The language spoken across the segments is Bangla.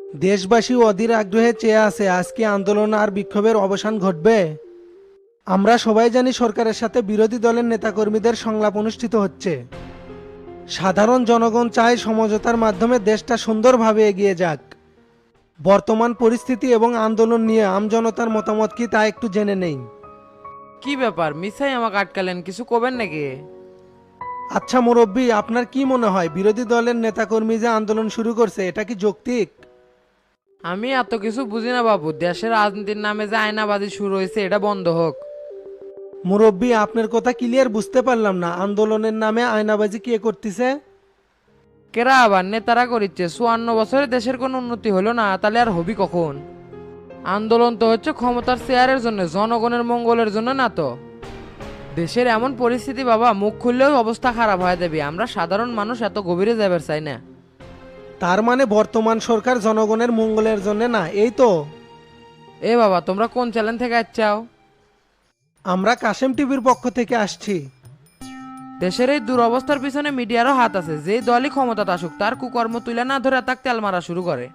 দেশবাসী অধীর আগ্রহে চেয়ে আছে আজকে আন্দোলন আর বিক্ষোভের অবসান ঘটবে। আমরা সবাই জানি সরকারের সাথে বিরোধী দলের নেতাকর্মীদের সংলাপ অনুষ্ঠিত হচ্ছে। সাধারণ জনগণ চায় সমঝোতার মাধ্যমে দেশটা সুন্দরভাবে এগিয়ে যাক। বর্তমান পরিস্থিতি এবং আন্দোলন নিয়ে আমজনতার মতামত কি তা একটু জেনে নেই। কি ব্যাপার মিসাই আমাকে আটকালেন, কিছু কবেন নাকি? আচ্ছা মুরব্বী, আপনার কি মনে হয় বিরোধী দলের নেতাকর্মী যে আন্দোলন শুরু করছে এটা কি যৌক্তিক? আমি এত কিছু বুঝি না বাবু, দেশের রাজনীতির নামে যে আয়নাবাজি শুরু হয়েছে এটা বন্ধ হোক। মুরব্বী, আপনার কথা ক্লিয়ার বুঝতে পারলাম না, আন্দোলনের নামে আয়নাবাজি কে করতেছে? কেরা আবার নেতারা করিচ্ছে? 54 বছরে দেশের কোনো উন্নতি হলো না, তাহলে আর হবি কখন? আন্দোলন তো হচ্ছে ক্ষমতার চেয়ারের জন্য, জনগণের মঙ্গলের জন্য না তো। দেশের এমন পরিস্থিতি বাবা, মুখ খুললেও অবস্থা খারাপ হয়ে যাবে। আমরা সাধারণ মানুষ এত গভীরে যাবার চাই না। তার মানে বর্তমান সরকার জনগণের মঙ্গলের জন্য না, এই তো? এ বাবা, তোমরা কোন চ্যানেল থেকে আসছাও? আমরা কাশেম টিভির পক্ষ থেকে আসছি। দেশের এই দুরবস্থার পিছনে মিডিয়ারও হাত আছে। যেই দলই ক্ষমতা আসুক তার কুকর্ম তুলে না ধরে তাক তেল মারা শুরু করে।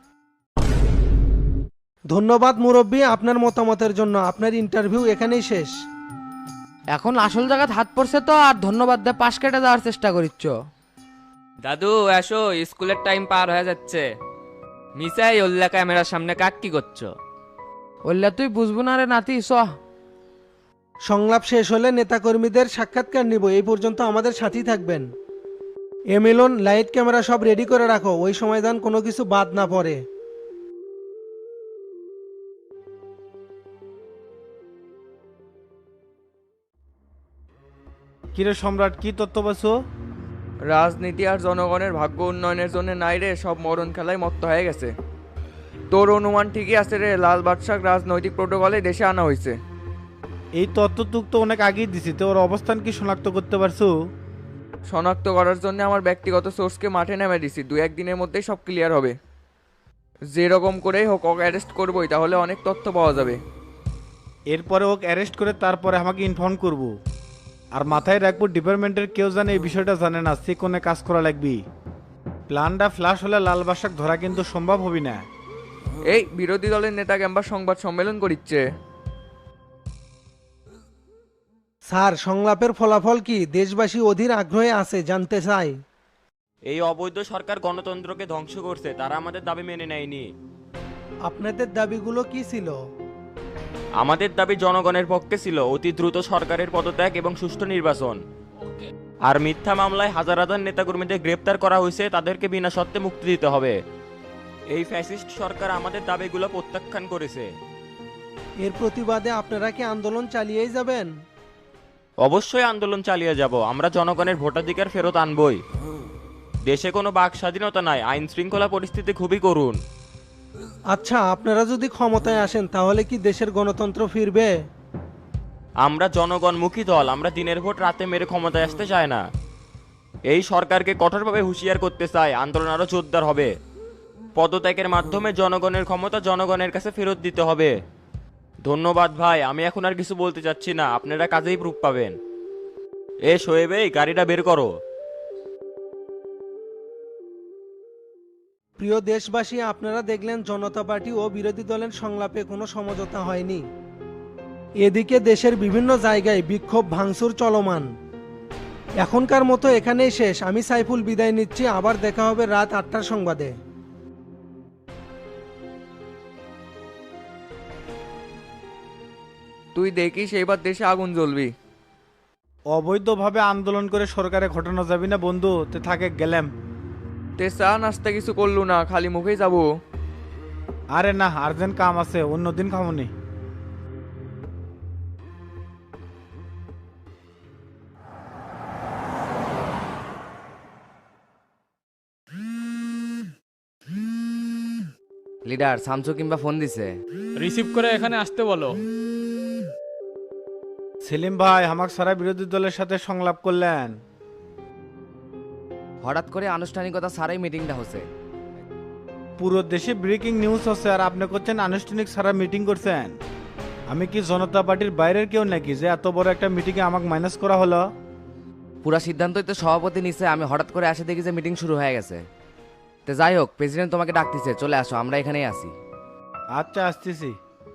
ধন্যবাদ মুরব্বী আপনার মতামতের জন্য। আপনার ইন্টারভিউ এখানেই শেষ। এখন আসল জায়গাত হাত পড়ছে তো, আর ধন্যবাদ দে পাশ কেটে যাওয়ার চেষ্টা করিচ্ছ। দাদু এসো, স্কুলের টাইম পার হয়ে যাচ্ছে। মিসাই ওল্লা ক্যামেরার সামনে কাক কি করছো? বললে তুই বুঝবো না রে নাতি, স। সংলাপ শেষ হলে নেতাকর্মীদের সাক্ষাৎকার নিব, এই পর্যন্ত আমাদের সাথেই থাকবেন। এমিলন, লাইট ক্যামেরা সব রেডি করে রাখো, ওই সময় যেন কোনো কিছু বাদ না পড়ে। কিরে সম্রাট, কি তত্ত্ব পাচ্ছো? রাজনীতি আর জনগণের ভাগ্য উন্নয়নের জন্য নাই রে, সব মরণ খেলায় মত্ত হয়ে গেছে। তোর অনুমান ঠিকই আছে রে, লাল বাদশাহ রাজনৈতিক প্রোটোকলে দেশে আনা হয়েছে। এই তত্ত্ব তুক তো অনেক আগেই দিছি, তো ওর অবস্থান কি শনাক্ত করতে পারছো? শনাক্ত করার জন্য আমার ব্যক্তিগত সোর্সকে মাঠে নেমে দিছি, দু একদিনের মধ্যেই সব ক্লিয়ার হবে। যেরকম করেই হোক ওকে অ্যারেস্ট করবোই, তাহলে অনেক তথ্য পাওয়া যাবে। এরপরে ওকে অ্যারেস্ট করে তারপরে আমাকে ইনফর্ম করব। আর মাথায় রাখবো ডিপার্টমেন্টের কেউ জানে এই বিষয়টা জানে না, সে কোনে কাজ করা লাগবে। প্ল্যানটা ফ্লাশ হলে লাল বাসাক ধরা কিন্তু সম্ভব হবে না। এই বিরোধী দলের নেতা ক্যাম্পাস সংবাদ সম্মেলন করিচ্ছে। স্যার, সংলাপের ফলাফল কি? দেশবাসী অধীর আগ্রহে আছে, জানতে চাই। এই অবৈধ সরকার গণতন্ত্রকে ধ্বংস করছে, তারা আমাদের দাবি মেনে নেয়নি। আপনাদের দাবিগুলো কি ছিল? আমাদের দাবি জনগণের পক্ষে ছিল অতি দ্রুত সরকারের পদত্যাগ এবং সুষ্ঠু নির্বাচন। আর মিথ্যা মামলায় হাজার হাজার নেতাকর্মীদের গ্রেপ্তার করা হয়েছে, তাদেরকে বিনা শর্তে মুক্তি দিতে হবে। এই ফ্যাসিস্ট সরকার আমাদের দাবিগুলো প্রত্যাখ্যান করেছে। এর প্রতিবাদে আপনারা কি আন্দোলন চালিয়েই যাবেন? অবশ্যই আন্দোলন চালিয়ে যাব, আমরা জনগণের ভোটাধিকার ফেরত আনবই। দেশে কোনো বাক স্বাধীনতা নাই, আইন শৃঙ্খলা পরিস্থিতি খুবই করুণ। আচ্ছা, আপনারা যদি ক্ষমতায় আসেন তাহলে কি দেশের গণতন্ত্র ফিরবে? আমরা জনগণমুখী দল, আমরা দিনের ভোট রাতে মেরে ক্ষমতায় আসতে চাই না। এই সরকারকে কঠোরভাবে হুঁশিয়ার করতে চাই, আন্দোলন আরও জোরদার হবে। পদত্যাগের মাধ্যমে জনগণের ক্ষমতা জনগণের কাছে ফেরত দিতে হবে। ধন্যবাদ ভাই, আমি এখন আর কিছু বলতে চাচ্ছি না, আপনারা কাজেই প্রুফ পাবেন। এ শোয়েব, এই গাড়িটা বের করো। প্রিয় দেশবাসী, আপনারা দেখলেন জনতা পার্টি ও বিরোধী দলের সংলাপে কোনো সমঝোতা হয়নি। এদিকে দেশের বিভিন্ন জায়গায় বিক্ষোভ ভাঙচুর চলমান। এখনকার মতো এখানেই শেষ। আমি সাইফুল বিদায় নিচ্ছি, আবার দেখা হবে রাত 8টার সংবাদে। তুই দেখিস এইবার দেশে আগুন জ্বলবি। অবৈধভাবে আন্দোলন করে সরকারে ঘটানো যাবে না বন্ধু, তে থাকে গেলাম। তে চা নাস্তা কিছু করলু না, খালি মুখেই যাবো? আরে না, আর্জেন্ট কাম আছে, অন্যদিন খামনি। লিডার সামসু কিংবা ফোন দিছে। রিসিভ করে এখানে আসতে বলো। সেলিম ভাই আমাকে সারা বিরোধী দলের সাথে সংলাপ করলেন। হঠাৎ করে আনুষ্ঠানিকতা ছাড়াই মিটিংটা হচ্ছে। পুরো দেশে ব্রেকিং নিউজ হচ্ছে আর আপনি করছেন আনুষ্ঠানিক সারা মিটিং করছেন। আমি কি জনতা পার্টির বাইরের কেউ নাকি যে এত বড় একটা মিটিংয়ে আমাকে মাইনাস করা হলো? পুরা সিদ্ধান্তই তো সভাপতি নিছে, আমি হঠাৎ করে আসে দেখি যে মিটিং শুরু হয়ে গেছে। তো যাই হোক, প্রেসিডেন্ট তোমাকে ডাকতেছে, চলে আসো, আমরা এখানেই আছি। আচ্ছা, আসতেছি।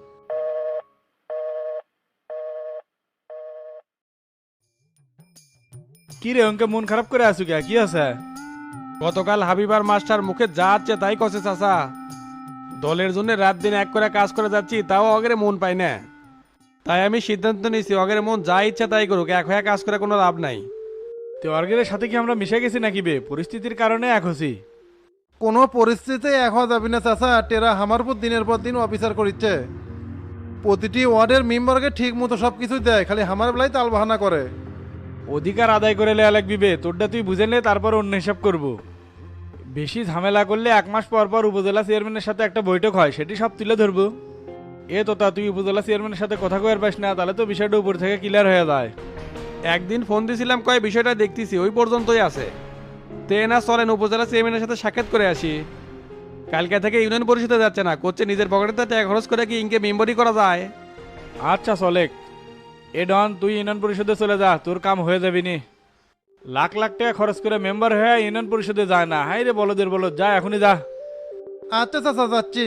কি রে অঙ্কে মন খারাপ করে আছো কে? কি আছে? গতকাল হাবিবার মাস্টার মুখে যা আছে তাই কষে চাচা। দলের জন্য রাত দিন এক করে কাজ করে যাচ্ছি, তাও অগরে মন পাই না। তাই আমি সিদ্ধান্ত নিয়েছি, অগরে মন যা ইচ্ছা তাই করুক, এক হয়ে কাজ করে কোনো লাভ নাই। তো অর্গের সাথে কি আমরা মিশে গেছি নাকি বে? পরিস্থিতির কারণে এক হছি। কোনো পরিস্থিতিতে এক হওয়া যাবে না চাচা। টেরা আমার উপর দিনের পর দিন অফিসার করিচ্ছে। প্রতিটি ওয়ার্ডের মেম্বারকে ঠিক মতো সব কিছু দেয়, খালি আমার বেলায় তাল বাহানা করে। অধিকার আদায় করে লেয়া লাগবি বে, তোরটা তুই বুঝে নে, তারপর অন্য হিসাব করবো। বেশি ঝামেলা করলে 1 মাস পর পর উপজেলা চেয়ারম্যানের সাথে একটা বৈঠক হয়, সেটি সব তুলে ধরবো। এ তোতা, তুই উপজেলা চেয়ারম্যানের সাথে কথা কয়ার পাস না, তাহলে তো বিষয়টা উপর থেকে ক্লিয়ার হয়ে যায়। একদিন ফোন দিয়েছিলাম, কয় বিষয়টা দেখতেছি, ওই পর্যন্তই আছে। তে না চলেন উপজেলা চেয়ারম্যানের সাথে সাক্ষাৎ করে আসি। কালকে থেকে ইউনিয়ন পরিষদে যাচ্ছে না, করছে নিজের পকেটে টাকা খরচ করে কি ইনকে মেম্বরি করা যায়। আচ্ছা চলেক। এ ডন, তুই ইউনিয়ন পরিষদে চলে যা, তোর কাম হয়ে যাবি নি। লাখ লাখ টাকা খরচ করে মেম্বার হয়ে ইউনিয়ন পরিষদে যায় না, হাই রে বলদের বলদ, যা এখনই যা। আচ্ছা চাচা, যাচ্ছি।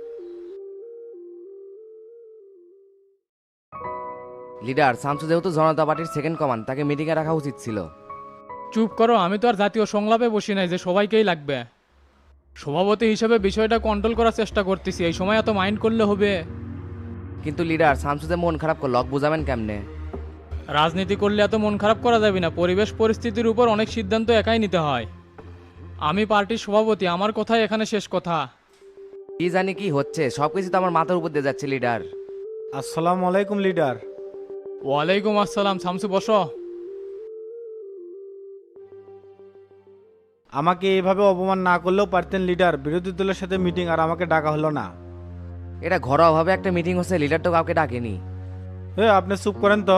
লিডার শামসু যেহেতু জনতা পার্টির সেকেন্ড কমান্ড, তাকে মিটিংয়ে রাখা উচিত ছিল। চুপ করো, আমি তো আর জাতীয় সংলাপে বসি নাই যে সবাইকেই লাগবে। সভাপতি হিসেবে বিষয়টা কন্ট্রোল করার চেষ্টা করতেছি, এই সময় এত মাইন্ড করলে হবে? কিন্তু লিডার শামসু যে মন খারাপ করলো, বুঝাবেন কেমনে? রাজনীতি করলে এত মন খারাপ করা যাবে না, পরিবেশ পরিস্থিতির উপর অনেক সিদ্ধান্ত একাই নিতে হয়। আমি পার্টির সভাপতি, আমার কথাই এখানে শেষ কথা। কি জানি কি হচ্ছে, সবকিছু তো আমার মাথার উপর দিয়ে যাচ্ছে লিডার। আসসালামু আলাইকুম লিডার। ওয়ালাইকুম আসসালাম। শামসু বসো। আমাকে এইভাবে অপমান না করলেও পারতেন লিডার, বিরোধী দলের সাথে মিটিং আর আমাকে ডাকা হলো না। এটা ঘরোয়াভাবে একটা মিটিং হচ্ছে, লিডার তো কাউকে ডাকেনি। আপনি চুপ করেন তো।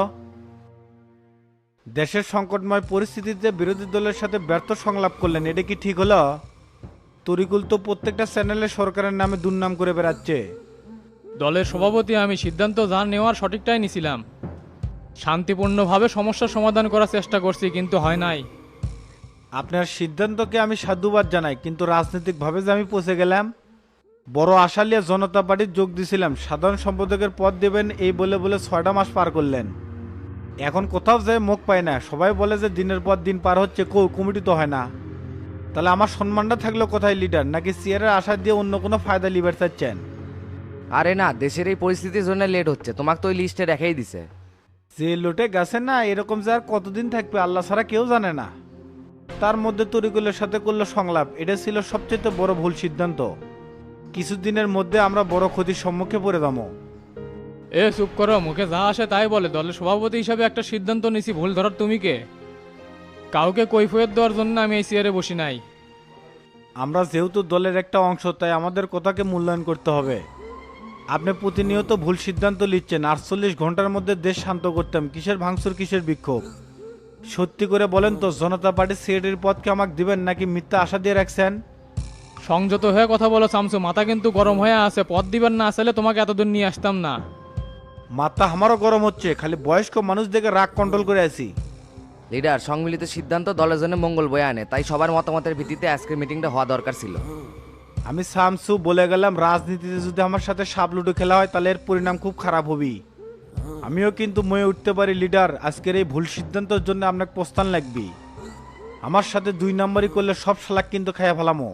দেশের সংকটময় পরিস্থিতিতে বিরোধী দলের সাথে ব্যর্থ সংলাপ করলেন, এটা কি ঠিক হলো? তরিকুল তো প্রত্যেকটা চ্যানেলে সরকারের নামে দুর্নাম করে বেড়াচ্ছে। দলের সভাপতি আমি, সিদ্ধান্ত যা নেওয়ার সঠিকটাই নিছিলাম। শান্তিপূর্ণভাবে সমস্যার সমাধান করার চেষ্টা করছি, কিন্তু হয় নাই। আপনার সিদ্ধান্তকে আমি সাধুবাদ জানাই, কিন্তু রাজনৈতিকভাবে যে আমি পৌঁছে গেলাম। বড় আশা নিয়ে জনতা পার্টির যোগ দিছিলাম, সাধারণ সম্পাদকের পদ দেবেন এই বলে বলে 6টা মাস পার করলেন। এখন কোথাও যায় মুখ পায় না, সবাই বলে যে দিনের পর দিন পার হচ্ছে, কমিটি তো হয় না। তাহলে আমার সম্মানটা থাকলো কোথায় লিডার? নাকি চেয়ারের আশা দিয়ে অন্য কোনো ফায়দা লিবার চাচ্ছেন? আরে না, দেশের এই পরিস্থিতির জন্য লেট হচ্ছে, তোমাকে তো ওই লিস্টে রেখেই দিছে। যে লোটে গেছে না, এরকম যে আর কতদিন থাকবে আল্লাহ ছাড়া কেউ জানে না। তার মধ্যে তরিকুলের সাথে করলো সংলাপ, এটা ছিল সবচেয়ে বড় ভুল সিদ্ধান্ত। কিছুদিনের মধ্যে আমরা বড় ক্ষতির সম্মুখে পড়ে যাবো। এ চুপ করো, মুখে যা আসে তাই বলে। দলের সভাপতি হিসাবে একটা সিদ্ধান্ত নিছি, ভুল ধরার তুমি কে? কাউকে কৈফিয়ত দেওয়ার জন্য আমি এই চেয়ারে বসি নাই। আমরা যেহেতু দলের একটা অংশ, তাই আমাদের কথাকে মূল্যায়ন করতে হবে। আপনি প্রতিনিয়ত ভুল সিদ্ধান্ত নিচ্ছেন। 48 ঘন্টার মধ্যে দেশ শান্ত করতাম, কিসের ভাঙচুর, কিসের বিক্ষোভ? সত্যি করে বলেন তো, জনতা পার্টির সেক্রেটারির পদকে আমাকে দিবেন নাকি মিথ্যা আশা দিয়ে রাখছেন? সংযত হয়ে কথা বলো শামসু, মাথা কিন্তু গরম হয়ে আছে। পদ দিবেন না আসলে তোমাকে এতদূর নিয়ে আসতাম না। মাথা আমারও গরম হচ্ছে, খালি বয়স্ক মানুষ দেখে রাগ কন্ট্রোল করে আছি। লিডার, সম্মিলিত সিদ্ধান্ত দলের জন্য মঙ্গল বয়ে আনে, তাই সবার মতামতের ভিত্তিতে আজকের মিটিংটা হওয়া দরকার ছিল। আমি শামসু বলে গেলাম, রাজনীতিতে যদি আমার সাথে সাপ লুডো খেলা হয় তাহলে এর পরিণাম খুব খারাপ হবে। আমিও কিন্তু ময়ে উঠতে পারি লিডার, আজকের এই ভুল সিদ্ধান্তের জন্য আপনাকে প্রস্থান লাগবে। আমার সাথে 2 নম্বরই করলে সব শালাক কিন্তু খাইয়া ফেলামো।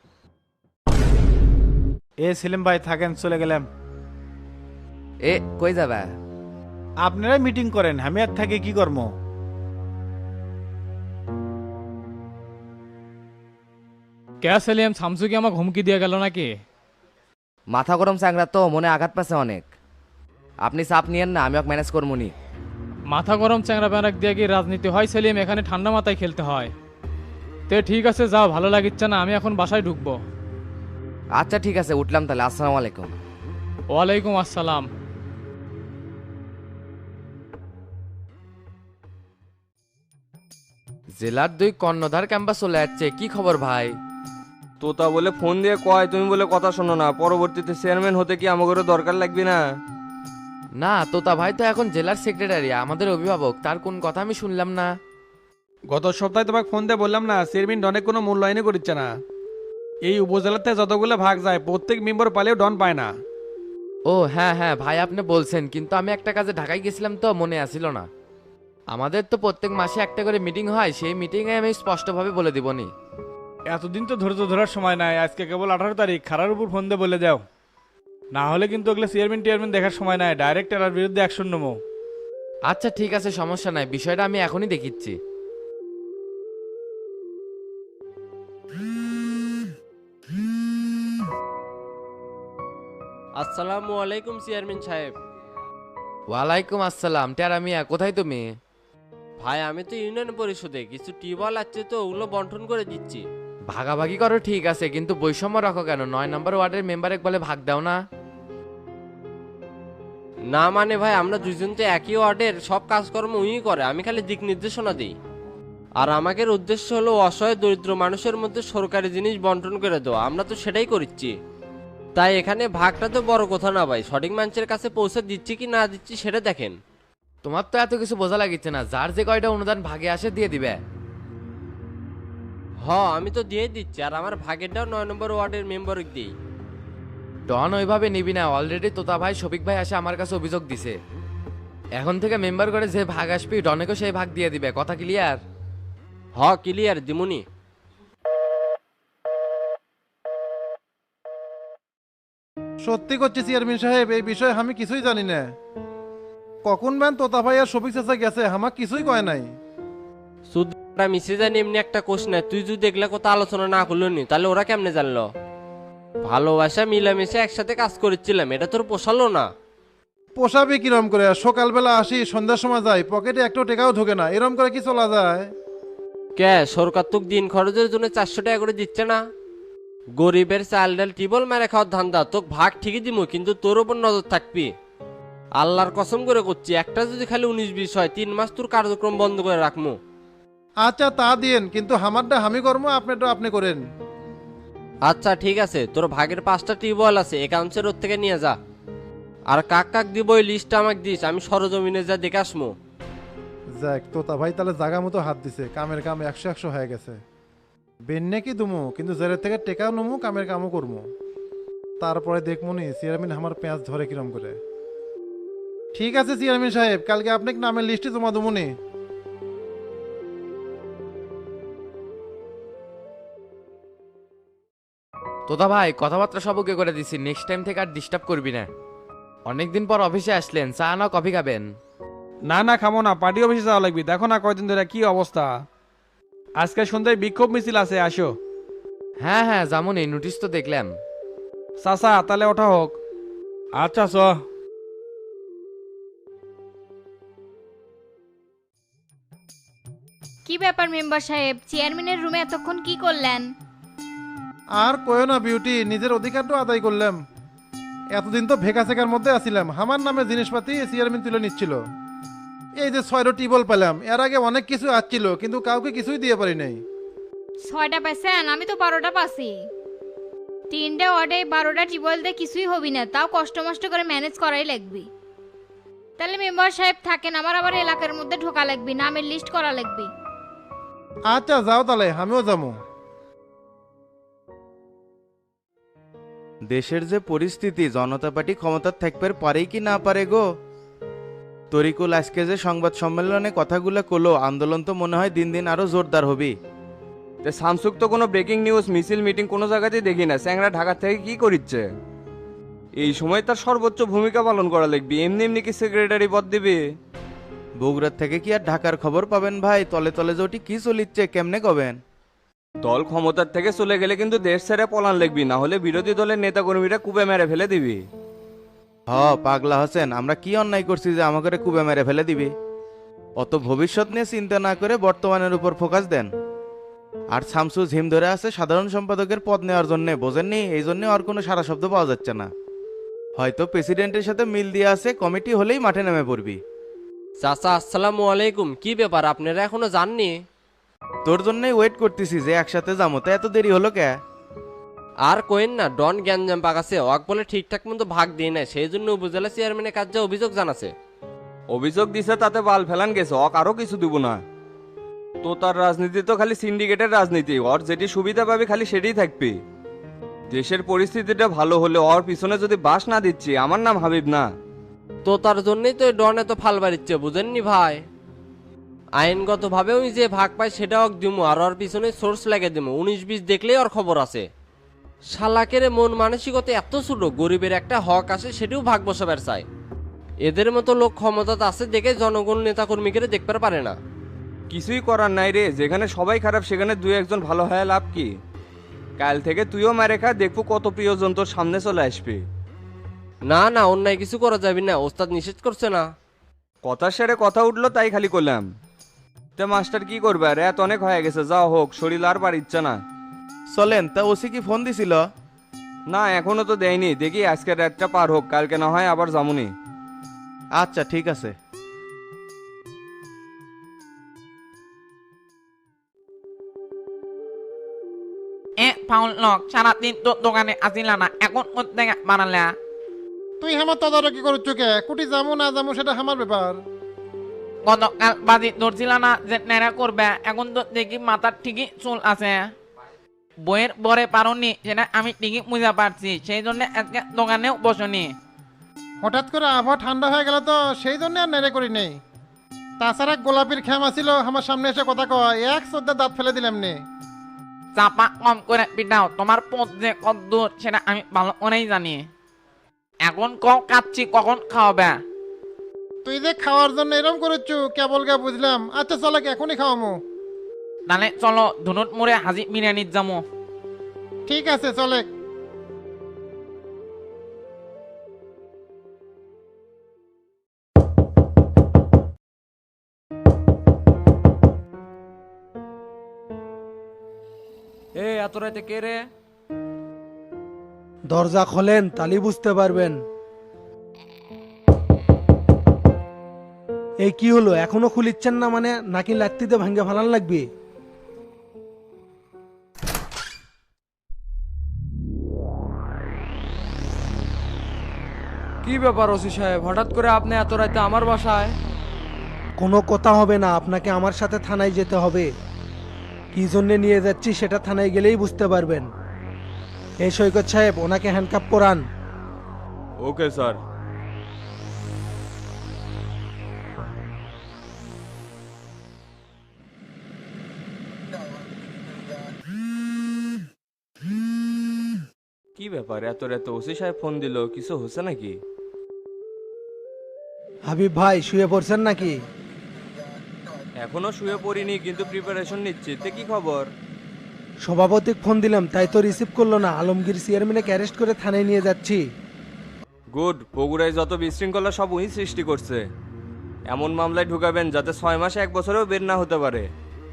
সেলিম ভাই থাকেন, চলে গেলাম। কই যাবে? আপনারা মিটিং করেন, আমি আর থাকি কি কর্ম। কে সেলিম, শামসু কি আমাকে হুমকি দিয়ে গেল নাকি? মাথা গরম চ্যাংরা তো, মনে আঘাত পাচ্ছে অনেক। আপনি চাপ নিয়েন না, আমি ওকে ম্যানেজ করবো নি। মাথা গরম চ্যাংরা প্যাঁরাক দিয়ে কি রাজনীতি হয় সেলিম? এখানে ঠান্ডা মাথায় খেলতে হয়। তে ঠিক আছে, যাও, ভালো লাগিচ্ছে না, আমি এখন বাসায় ঢুকবো। আচ্ছা ঠিক আছে, উঠলাম তাহলে। আসসালামু আলাইকুম। ওয়ালাইকুম আসসালাম। জেলার 2 কর্ণধার ক্যাম্পাস চলে যাচ্ছে, কি খবর ভাই? তোতা বলে ফোন দিয়ে কয়, তুমি বলে কথা শোনো না, পরবর্তীতে চেয়ারম্যান হতে কি আমাদেরও দরকার লাগবে না? না, তোতা ভাই তো এখন জেলার সেক্রেটারি, আমাদের অভিভাবক, তার কোন কথা আমি শুনলাম না। গত সপ্তাহে তোমাকে ফোন দিয়ে বললাম না, চেয়ারম্যান অনেক কোনো মূল্যায়নই করছে না। এই উপজেলাতে যতগুলো ভাগ যায় প্রত্যেক মেম্বার পালেও ডন পায় না। ও হ্যাঁ হ্যাঁ ভাই, আপনি বলছেন, কিন্তু আমি একটা কাজে ঢাকায় গেছিলাম তো মনে আসিল না। আমাদের তো প্রত্যেক মাসে একটা করে মিটিং হয়, সেই মিটিংয়ে আমি স্পষ্টভাবে বলে দিবনি। এতদিন তো ধৈর্য ধরার সময় নাই, আজকে কেবল 18 তারিখ, খারার উপর ফোন দিয়ে বলে যাও, না হলে কিন্তু ওগুলো চেয়ারম্যান দেখার সময় নাই, ডাইরেক্ট এর বিরুদ্ধে অ্যাকশন নেবো। আচ্ছা ঠিক আছে, সমস্যা নাই, বিষয়টা আমি এখনই দেখিচ্ছি। আসসালামু আলাইকুম চেয়ারম্যান সাহেব। ওয়ালাইকুম আসসালাম। টেরা মিয়া, কোথায় তুমি? ভাই আমি তো ইউনিয়ন পরিষদে কিছু টিউবওয়েল আছে তো ওগুলো বন্টন করে দিচ্ছি। ভাগাভাগি করো ঠিক আছে, কিন্তু বৈষম্য রাখো কেন? 9 নম্বর ওয়ার্ডের মেম্বারে বলে ভাগ দাও না। না মানে ভাই, আমরা দুইজন তো একই ওয়ার্ডের, সব কাজকর্ম উই করে, আমি খালি দিক নির্দেশনা দিই। আর আমাদের উদ্দেশ্য হলো অসহায় দরিদ্র মানুষের মধ্যে সরকারি জিনিস বন্টন করে দেওয়া, আমরা তো সেটাই করছি। তাই এখানে ভাগটা তো বড় কথা না ভাই, সঠিক মানুষের কাছে পৌঁছে দিচ্ছি কি না দিচ্ছি সেটা দেখেন। তোমার তো এত কিছু বোঝা লাগিচ্ছে না, যার যে কয়টা অনুদান ভাগে আসে দিয়ে দিবে। আমি তো দিয়ে দিচ্ছি, আর আমার ভাগেরটাও 9 নম্বর ওয়ার্ডের মেম্বার দিই। ডন ওইভাবে নিবি না, অলরেডি তোতা ভাই শফিক ভাই এসে আমার কাছে অভিযোগ দিছে। এখন থেকে মেম্বার করে যে ভাগ আসবি ডনেকেও সেই ভাগ দিয়ে দিবে, কথা ক্লিয়ার? ক্লিয়ার দিমুনি। সত্যি করছি চেয়ারম্যান সাহেব, এই বিষয়ে আমি কিছুই জানি না। কখন ম্যান তোতা ভাই আর শফিক চাচা গেছে, আমার কিছুই কয় নাই। সুদরা মিশে জানি এমনি একটা কোশ নাই, তুই যদি দেখলে কথা আলোচনা না করলো নি তাহলে ওরা কেমনে জানলো? ভালোবাসা মিলামিশে একসাথে কাজ করেছিলাম, এটা তোর পোষালো না। পোষাবে কিরম করে? সকালবেলা আসি, সন্ধ্যার সময় যাই, পকেটে একটা টাকাও ঢোকে না, এরম করে কি চলা যায়? কে সরকার তোকে দিন খরচের জন্য 400 টাকা করে দিচ্ছে না? গরিবের চাল ডাল টিবল মেরে খাওয়ার ধান্দা, তোকে ভাগ ঠিকই দিব, কিন্তু তোর ওপর নজর থাকবি। আল্লাহর কসম করে করছি, একটা যদি খালি 19-20 হয় 3 মাস তোর কার্যক্রম বন্ধ করে রাখবো। আচ্ছা তা দিয়েন, কিন্তু আমারটা আমি করবো, আপনারটা আপনি করেন। আচ্ছা ঠিক আছে, তোর ভাগের 5টা টিউবওয়েল আছে, একাউন্টসের ওর থেকে নিয়ে যা। আর কাক কাক দিব ওই লিস্টটা আমাকে দিস, আমি সরজমিনে যা দেখে আসমো। যাক, তোতা ভাই তাহলে জাগা মতো হাত দিছে, কামের কাম 100 হয়ে গেছে। বেন্নে কি দুমু, কিন্তু জেরের থেকে টেকাও নমু, কামের কামও করবো। তারপরে দেখমুনি চেয়ারম্যান আমার পেঁয়াজ ধরে কিরম করে। ঠিক আছে চেয়ারম্যান সাহেব, কালকে আপনাকে নামের লিস্টে জমা দেবুনি। তোতা ভাই কথাবার্তা সব ওকে করে দিছি, নেক্সট টাইম থেকে আর ডিস্টার্ব করবি না। অনেকদিন পর অফিসে আসলেন, চা না কফি খাবেন? না না খামো না, পার্টি অফিসে যাওয়া লাগবে, দেখো না কয়দিন ধরে কি অবস্থা। আজকে সন্ধ্যায় বিক্ষোভ মিছিল আছে, আসো। হ্যাঁ হ্যাঁ যেমন এই নোটিশ তো দেখলাম। চাচা তাহলে ওঠা হোক। আচ্ছা চ। কি ব্যাপার মেম্বার সাহেব, চেয়ারম্যানের রুমে এতক্ষণ কি করলেন? আর কয়ো না বিউটি, নিজের অধিকারটা আদায় করলাম। এতদিন তো ভেকা সেকার মধ্যে আছিলাম, আমার নামে জিনিসপাতি চেয়ারম্যান তুলে নিচ্ছিল। এই যে 6টা টিবল পেলাম, এর আগে অনেক কিছু আসছিল, কিন্তু কাউকে কিছুই দিয়ে পারি নাই। 6টা পেছেন, আমি তো 12টা পাছি। 3টে ওয়ার্ডে 12টা টিউবওয়েল দিয়ে কিছুই হবি না, তাও কষ্ট মষ্ট করে ম্যানেজ করাই লাগবে। তাহলে মেম্বার সাহেব থাকেন, আমার আবার এলাকার মধ্যে ঢোকা লাগবে, নামের লিস্ট করা লাগবে। আচ্ছা যাও তাহলে, আমিও যাবো। দেশের যে পরিস্থিতি, জনতা পার্টি ক্ষমতার থাকবে পারেই কি না পারে গো। তরিকুল আজকে যে সংবাদ সম্মেলনে কথাগুলো কলো, আন্দোলন তো মনে হয় দিন দিন আরো জোরদার হবে। শামসুক তো কোনো ব্রেকিং নিউজ মিছিল মিটিং কোনো জায়গাতেই দেখি না, স্যাংরা ঢাকা থেকে কি করিচ্ছে? এই সময় তার সর্বোচ্চ ভূমিকা পালন করা লাগবে, এমনি এমনি কি সেক্রেটারি পদ দিবে? বগুড়ার থেকে কি আর ঢাকার খবর পাবেন ভাই? তলে তলে যে ওটি কি চলিচ্ছে কেমনে কবেন? দল ক্ষমতার থেকে চলে গেলে কিন্তু দেশ ছেড়ে পলান লাগবি, না হলে বিরোধী দলের নেতাকর্মীরা কুবে মেরে ফেলে দিবি। পাগলা হোসেন, আমরা কি অন্যায় করছি যে আমাকে কুবে মেরে ফেলে দিবি? অত ভবিষ্যৎ নিয়ে চিন্তা না করে বর্তমানের উপর ফোকাস দেন। আর শামসু ঝিম ধরে আছে সাধারণ সম্পাদকের পদ নেওয়ার জন্য, বোঝেননি? এই জন্য আর কোনো সারা শব্দ পাওয়া যাচ্ছে না। হয়তো প্রেসিডেন্টের সাথে মিল দিয়ে আছে, কমিটি হলেই মাঠে নেমে পড়বি। চাচা আসসালামু আলাইকুম, কি ব্যাপার আপনারা এখনো যাননি? তোর জন্যই ওয়েট করতেছি যে একসাথে যাবো, তা এত দেরি হলো কে? আর কোয়েন না, ডন গ্যাঞ্জাম পাকাছে, ওয়াক বলে ঠিকঠাক মতো ভাগ দিয়ে নেয়, সেই জন্য উপজেলা চেয়ারম্যানের কাছে অভিযোগ জানাছে। অভিযোগ দিছে তাতে বাল ফেলান গেছে, অক আরো কিছু দিব না। তো তার রাজনীতি তো খালি সিন্ডিকেটের রাজনীতি, ওর যেটি সুবিধা পাবে খালি সেটাই থাকবে। দেশের পরিস্থিতিটা ভালো হলে ওর পিছনে যদি বাস না দিচ্ছি, আমার নাম হাবিব না। তো তার জন্যই তো ডন এত ফাল বাড়িচ্ছে, বুঝেননি ভাই? আইনগতভাবে উনি যে ভাগ পায় সেটাও দিমু, আর ওর পিছনে সোর্স লাগে দিমু। 19-20 দেখলেই ওর খবর আছে। শালাকের মন মানসিকতা এত ছোট, গরিবের একটা হক আছে সেটাও ভাগ বসাবার চায়। এদের মতো লোক ক্ষমতা আছে দেখে জনগণ নেতাকর্মীকে দেখতে পারে না। কিছুই করার নাই রে, যেখানে সবাই খারাপ সেখানে দুই একজন ভালো হয় লাভ কি? কাল থেকে তুইও মেরে খা, দেখবো কত প্রিয়জন তোর সামনে চলে আসবে। না না, অন্যায় কিছু করা যাবে না, ওস্তাদ নিষেধ করছে না। কথা সেরে কথা উঠলো তাই খালি করলাম। তে মাস্টার কি করবে, আর এত অনেক হয়ে গেছে, যাও হোক, শরীর আর পারিচ্ছে না। চলেন, তা ওসি কি ফোন দিছিল? না এখনো তো দেয়নি, দেখি আজকের রাতটা পার হোক, কালকে না হয় আবার যামুনি। আচ্ছা ঠিক আছে। ফাউল লক সারাদিন তো দোকানে আসিলা না, এখন করতে বানালা? তুই আমার তদারকি করছ কে? কুটি যাবো না যাবো সেটা আমার ব্যাপার। গতকাল বাজি ধরছিলা না যে নেড়া করবে, এখন তো দেখি মাথার ঠিকই চুল আছে। বইয়ের পরে পারোনি সেটা আমি ঠিকই বুঝা পারছি, সেই জন্য আজকে দোকানেও বসনি। হঠাৎ করে আবহাওয়া ঠান্ডা হয়ে গেল তো সেই জন্য আর নেড়ে করি নেই। তাছাড়া গোলাপির খেমা ছিল আমার সামনে এসে কথা কয়, এক শ্রদ্ধা দাঁত ফেলে দিলাম নে। চাপা কম করে পিটাও, তোমার পথ যে কত দূর সেটা আমি ভালো করেই জানি। এখন কাচ্ছি কখন খাওয়াবে? তুই যে খাওয়ার জন্য এরম করেছু কেবল গা বুঝলাম। আচ্ছা চলো এখনই খাওয়ামো। তাহলে চলো ধুনুট মোড়ে হাজি বিরিয়ানির যাবো। ঠিক আছে চলে। এ এত রাতে কে রে? দরজা খোলেন, তালি বুঝতে পারবেন। এই কি হলো, এখনো খুলিচ্ছেন না মানে? নাকি লাত্তিতে ভাঙ্গে ফালান লাগবে? কি ব্যাপার ওসি সাহেব, হঠাৎ করে আপনি এত রাতে আমার বাসায়? কোনো কথা হবে না, আপনাকে আমার সাথে থানায় যেতে হবে। কি জন্যে নিয়ে যাচ্ছি সেটা থানায় গেলেই বুঝতে পারবেন। এই সৈকত সাহেব, ওনাকে হ্যান্ডকাপ পরান। Okay sir. কি ব্যাপার, এত রাতে ওসি সাহেব ফোন দিল, কিছু হচ্ছে নাকি? হাবিব ভাই শুয়ে পড়ছেন নাকি? এখনো শুয়ে পড়িনি, কিন্তু প্রিপারেশন নিচ্ছি। তে কি খবর? সভাপতিকে ফোন দিলাম, তাই তো রিসিভ করলো না। আলমগীর চেয়ারম্যানকে অ্যারেস্ট করে থানায় নিয়ে যাচ্ছি। গুড, বগুড়ায় যত বিশৃঙ্খলা সব উনি সৃষ্টি করছে। এমন মামলায় ঢুকাবেন যাতে 6 মাসে 1 বছরেও বের না হতে পারে।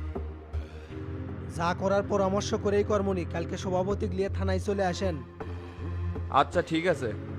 যা করার পরামর্শ করেই কর্মনি। কালকে সভাপতি নিয়ে থানায় চলে আসেন। আচ্ছা ঠিক আছে।